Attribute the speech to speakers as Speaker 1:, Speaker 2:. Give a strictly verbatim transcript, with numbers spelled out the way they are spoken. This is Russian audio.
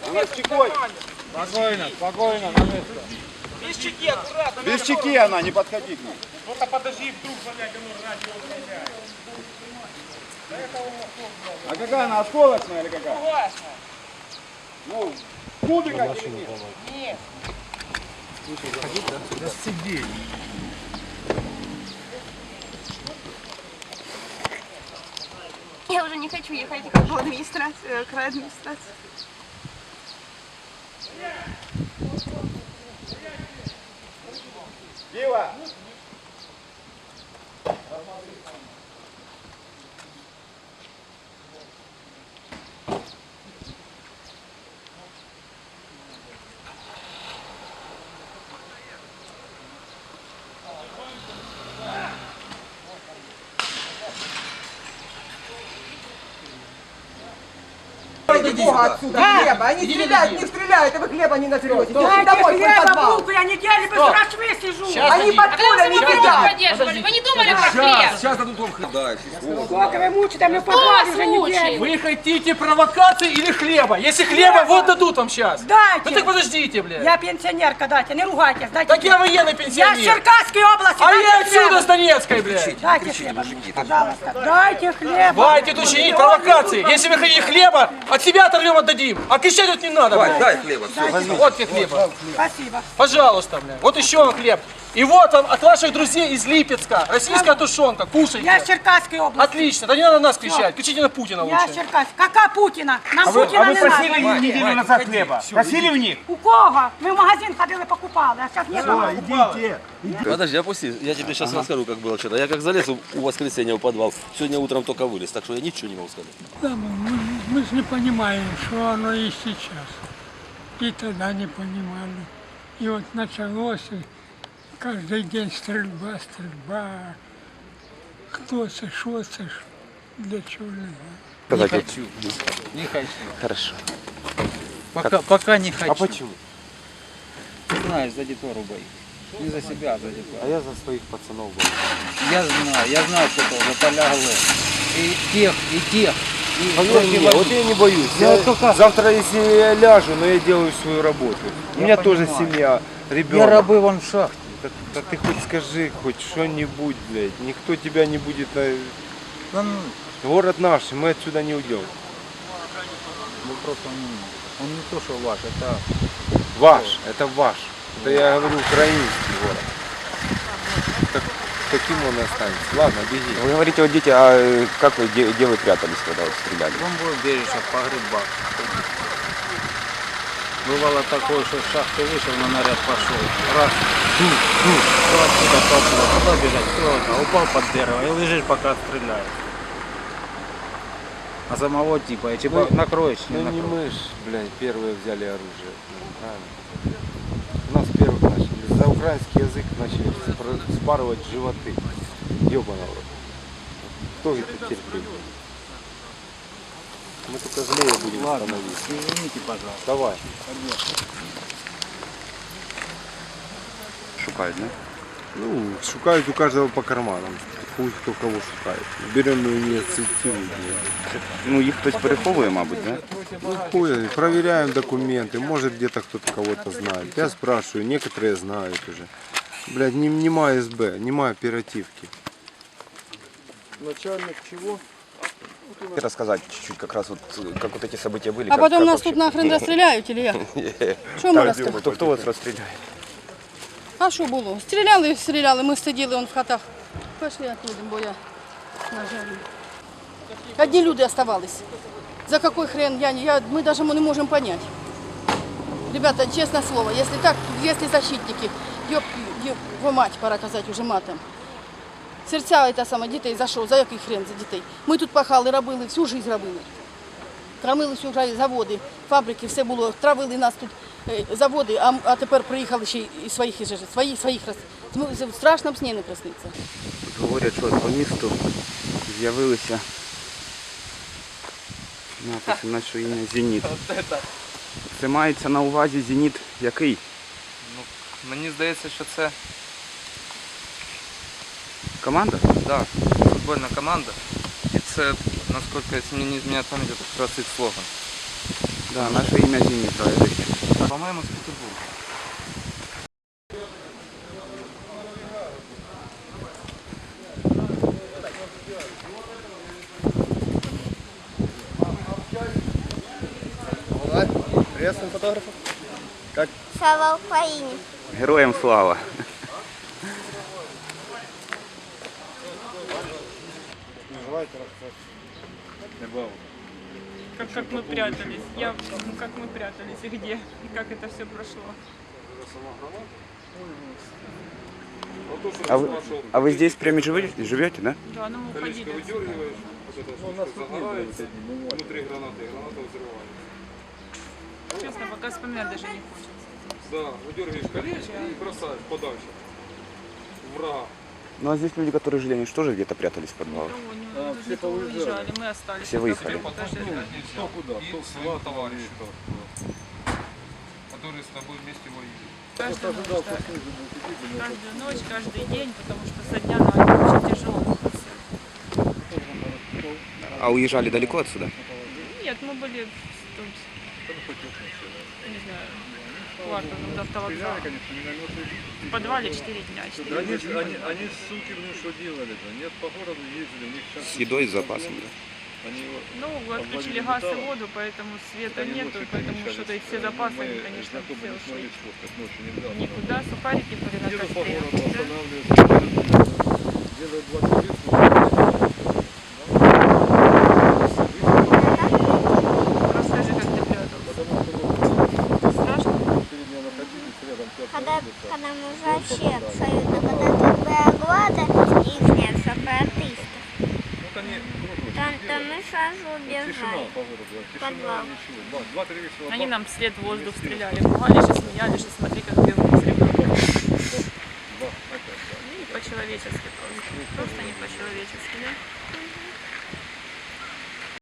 Speaker 1: Она с чекой.
Speaker 2: Спокойно, спокойно, на место.
Speaker 3: Без чеки, аккуратно.
Speaker 1: Без чеки она, не подходи к ней.
Speaker 2: Ну-ка подожди, вдруг блядь, оно радио управляет.
Speaker 1: А какая она, осколочная или какая?
Speaker 3: Согласна.
Speaker 1: Ну, кубика или нет?
Speaker 3: Нет.
Speaker 2: Да сиди.
Speaker 4: Я уже не хочу ехать в администрацию, к администрации.
Speaker 1: Пиво!
Speaker 5: Бога отсюда, хлеба. Они стреляют, не стреляют, а вы хлеба не натрете. Идите домой, в подвал.
Speaker 6: Я неделю без рашвы сижу.
Speaker 5: Они под пулями сидят.
Speaker 6: Вы не думали про хлеб?
Speaker 2: Сейчас дадут вам хлеб.
Speaker 6: Сколько вы мучите, мы в подвале уже неделю.
Speaker 2: Вы хотите провокации или хлеба? Если хлеба, вот дадут вам сейчас.
Speaker 6: Дайте.
Speaker 2: Ну так подождите, блядь.
Speaker 6: Я пенсионерка, дайте, не ругайтесь, дайте.
Speaker 2: Так я военный
Speaker 6: Я
Speaker 2: пенсионер.
Speaker 6: с Черкасской области,
Speaker 2: А
Speaker 6: дайте
Speaker 2: я отсюда,
Speaker 6: хлеба.
Speaker 2: с Донецкой, блядь.
Speaker 6: Дайте хлеба, пожалуйста, дайте хлеба.
Speaker 2: Хватит учинить провокации. Если вы хотите хлеба, от себя оторвем, отдадим. А кричать тут не надо, блядь.
Speaker 7: Дай хлеба, все.
Speaker 2: Вот тебе хлеба.
Speaker 6: Спасибо.
Speaker 2: Пожалуйста, блядь. Вот еще вам хлеб. И вот вам от ваших друзей из Липецка. Российская тушенка. Кушайте.
Speaker 6: Я с Черкасской области.
Speaker 2: Отлично. Да не надо на нас кричать. Кричите на Путина
Speaker 6: Я с
Speaker 2: лучше.
Speaker 6: Черкас. Какая Путина? Нам
Speaker 2: А вы,
Speaker 6: Путина
Speaker 2: а вы
Speaker 6: не
Speaker 2: просили
Speaker 6: надо.
Speaker 2: неделю назад хлеба? Просили у них?
Speaker 6: У кого? Мы в магазин ходили, покупали, а сейчас нет.
Speaker 1: Идите.
Speaker 7: Подожди, опусти. Я тебе сейчас расскажу, как было вчера. Я как залез у воскресенья в подвал, сегодня утром только вылез, так что я ничего не могу сказать.
Speaker 8: Да, мы, мы же не понимаем, что оно и сейчас. И тогда не понимали. И вот началось, и каждый день стрельба, стрельба. Кто це, що це, для чего, не знаю.
Speaker 9: Не хочу. Не хочу. Хорошо. Пока, пока не хочу.
Speaker 7: А почему?
Speaker 9: Ты знаешь, за детвору боюсь. Не за себя, а за детвору.
Speaker 7: А я за своих пацанов боюсь.
Speaker 9: Я знаю, я знаю, что тоже полягли. И тех, и тех. И
Speaker 7: Поверь мне, вот я не боюсь.
Speaker 9: Я
Speaker 7: Я
Speaker 9: только-
Speaker 7: Завтра, если я ляжу, но я делаю свою работу. У
Speaker 9: Я
Speaker 7: меня тоже
Speaker 9: понимаю.
Speaker 7: семья,
Speaker 9: Я
Speaker 7: ребенок.
Speaker 9: рабы вон в шахте.
Speaker 7: Так, так ты хоть скажи, хоть что-нибудь, блядь. Никто тебя не будет на...
Speaker 9: Да ну,
Speaker 7: Город наш, мы отсюда не уйдем.
Speaker 9: вопрос он, он не то, что ваш, это
Speaker 7: Ваш, это ваш. Это я говорю украинский город. Так, таким он и останется. Ладно, беги.
Speaker 9: Ну,
Speaker 10: Вы говорите, вот дети, а э, как вы, где, где вы прятались, когда вот стреляли?
Speaker 9: бомбоубежище, погребах. Бывало такое, что с шахты вышел, на наряд пошел. Раз, ду, ду, то отсюда, то отсюда, куда бежать, кто это, упал под дерево и лежишь, пока стреляют. А самого типа, и типа
Speaker 7: Ну,
Speaker 9: накроешь, не
Speaker 7: Ну не
Speaker 9: накроешь.
Speaker 7: мы ж, блядь, первые взяли оружие. Правильно. У нас первых начали. За украинский язык начали спар- спарывать животы. Ёбаный рот. Кто это терпит? Мы только злее будем
Speaker 9: Ладно,
Speaker 7: становиться.
Speaker 9: извините, пожалуйста.
Speaker 7: Давай.
Speaker 10: Шукають, да?
Speaker 7: Ну, шукают у каждого по карманам. Хуй кто кого шукает. Берем инициативу.
Speaker 10: Ну, їх хтось переховує, мабуть, да?
Speaker 7: Ну, хуй, проверяем документы. Может где-то кто-то кого-то знает. Я спрашиваю, некоторые знают уже. Блядь, не, нема СБ, нема оперативки. Начальник чего?
Speaker 10: Рассказать чуть-чуть как раз вот, как вот эти события были.
Speaker 4: А
Speaker 10: как-
Speaker 4: потом
Speaker 10: как
Speaker 4: нас
Speaker 10: вообще?
Speaker 4: тут нахрен расстреляють, или як? Що ми розказуємо?
Speaker 10: Хто, хто вас розстріляє?
Speaker 4: А що було? Стріляли, стріляли, ми сиділи он в хатах. Пішли оттуда, бо я, на жаль. Одні люди оставались. За какой хрен, я, не- я, мы даже не можем понять. Ребята, честное слово, если так, если защитники, ёб, ёб, во мать, пора казати уже матом. Серця та саме дітей за що? За який хрен за дітей? Ми тут пахали, робили, всю життя робили. Крамили всю життя, заводи, фабрики, все було, травили нас тут е, заводи, а, а тепер приїхали ще й своїх і жити, своїх, своїх роз... В страшному сні не присниться.
Speaker 10: Говорять, що по місту з'явилися написи нашого ім'я «Зеніт». Це мається на увазі «Зеніт» який?
Speaker 11: Ну, мені здається, що це
Speaker 10: Команда?
Speaker 11: да, футбольна команда. І це, наскільки, якщо мені не зміняє пам'ять, це просто їх слоган.
Speaker 10: Да, наше ім'я Зеніт, правильно.
Speaker 11: По-моєму, з Петербурга.
Speaker 1: Приветствуем фотографов. Как?
Speaker 12: Слава Україні!
Speaker 10: Героям слава.
Speaker 13: Как, как мы прятались. Я, ну, как мы прятались и где, и как это все прошло.
Speaker 10: А вы, а вы здесь прямо живете, живете, да?
Speaker 13: Да, ну мы уходили.
Speaker 7: Внутри гранаты, граната взрывается.
Speaker 13: Честно, пока вспоминать даже не хочется.
Speaker 7: Да, выдергиваешь колечко и бросаешь подальше. Врага.
Speaker 10: Ну а здесь люди, которые жили, они же тоже где-то прятались в подвалах.
Speaker 13: А, все уезжали, мы остались.
Speaker 10: Все выехали.
Speaker 7: Кто куда? Кто своего товарища, которые с тобой вместе воюют.
Speaker 13: Каждую ночь, да. Каждую ночь, каждый день, потому что со дня на день очень тяжело.
Speaker 10: А уезжали далеко отсюда?
Speaker 13: Нет, мы были тут, не знаю, кварталом до автовокзала. В подвале четыре дня. четыре
Speaker 7: Они,
Speaker 13: дня.
Speaker 7: они, они, суки, блин, что делали? Нет, по городу ездили, у них сейчас...
Speaker 10: С едой, с запасом, да?
Speaker 7: Они
Speaker 13: Ну, отключили газ и воду, поэтому света нету, поэтому что-то и все запасы, они, конечно, все ушли. Никуда, сухарики были на костре.
Speaker 7: Делают двадцать лет.
Speaker 13: Расскажи, как ты прятался. Страшно?
Speaker 12: Когда, когда мы вообще абсолютно, когда тут была глада их сепаратистов, то, то мы сразу убежали в подвал.
Speaker 13: Они нам вслед в воздух стреляли, пугались и смеялись, что смотри, как бегут с ребенком. Ну, не по-человечески просто. Просто не по-человечески, да?